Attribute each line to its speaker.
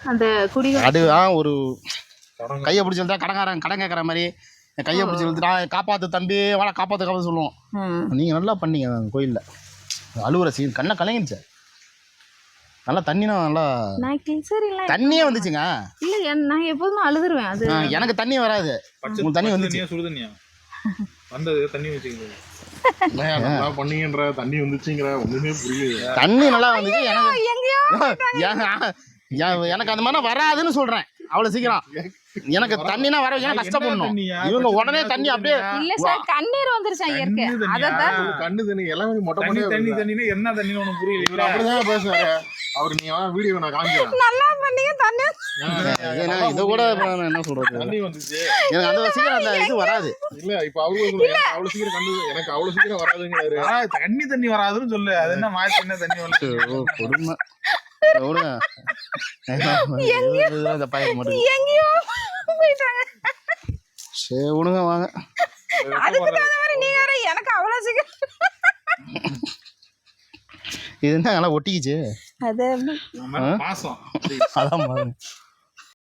Speaker 1: அந்த குடி
Speaker 2: அது ஒரு கையை பிடிச்சி இழுத்தா கடன் கேட்குற மாதிரி கையை பிடிச்சி இழுத்துட்டா காப்பாற்று தம்பி வாடா காப்பாற்று சொல்லுவோம். நீங்கள் நல்லா பண்ணீங்க கோயிலில் அழுவுற சீன் கண்ணை கலங்கிடுச்சு. நல்லா தண்ணினா நல்லா தண்ணியே வந்துச்சுங்க.
Speaker 1: இல்லை நான் எப்போதுமே அழுதுருவேன். அது
Speaker 2: எனக்கு தண்ணி வராது. உங்களுக்கு தண்ணி வந்துச்சு.
Speaker 3: சுடு தண்ணியா வந்தது தண்ணி வச்சுக்கிறது பண்ணீங்கன்ற தண்ணி வந்துச்சுங்கிற ஒண்ணுமே புரியல.
Speaker 2: தண்ணி நல்லா வந்துச்சு. எனக்கு அந்த மாதிரி வராதுன்னு சொல்றேன். அவ்வளவு சீக்கிரம் எனக்கு தண்ணினா வர கஷ்டப்படணும். இவங்க உடனே தண்ணி அப்படியே
Speaker 1: இல்ல சார் கண்ணீர் வந்துருச்சா இயற்கை. அதான்
Speaker 3: கண்ணு தண்ணி எல்லாமே மொட்டை மொட்டை தண்ணி என்ன தண்ணி ஒண்ணு புரியல. அப்படிதான் பேசுவாரு அவர். நீங்க வீடியோ நான் காமிக்கிறேன். நல்லா பண்ணீங்க தண்ணி.
Speaker 2: இது கூட என்ன சொல்றது
Speaker 3: தண்ணி வந்துச்சு.
Speaker 2: எனக்கு அந்த சீக்கிரம் அந்த இது வராது.
Speaker 3: இல்ல இப்ப அவருக்கு அவ்வளவு சீக்கிரம் கண்ணு எனக்கு அவ்வளவு சீக்கிரம் வராதுங்கிறாரு. தண்ணி வராதுன்னு சொல்லு. அது என்ன மாற்றி என்ன தண்ணி வந்து
Speaker 2: கொடுமை. சரி விடுங்க வாங்க.
Speaker 1: எனக்கு அவ்வளவு சீக்கிரம்
Speaker 2: இது என்ன நல்லா ஒட்டிக்கிச்சு.
Speaker 1: அது
Speaker 3: பாசம்
Speaker 2: அதான்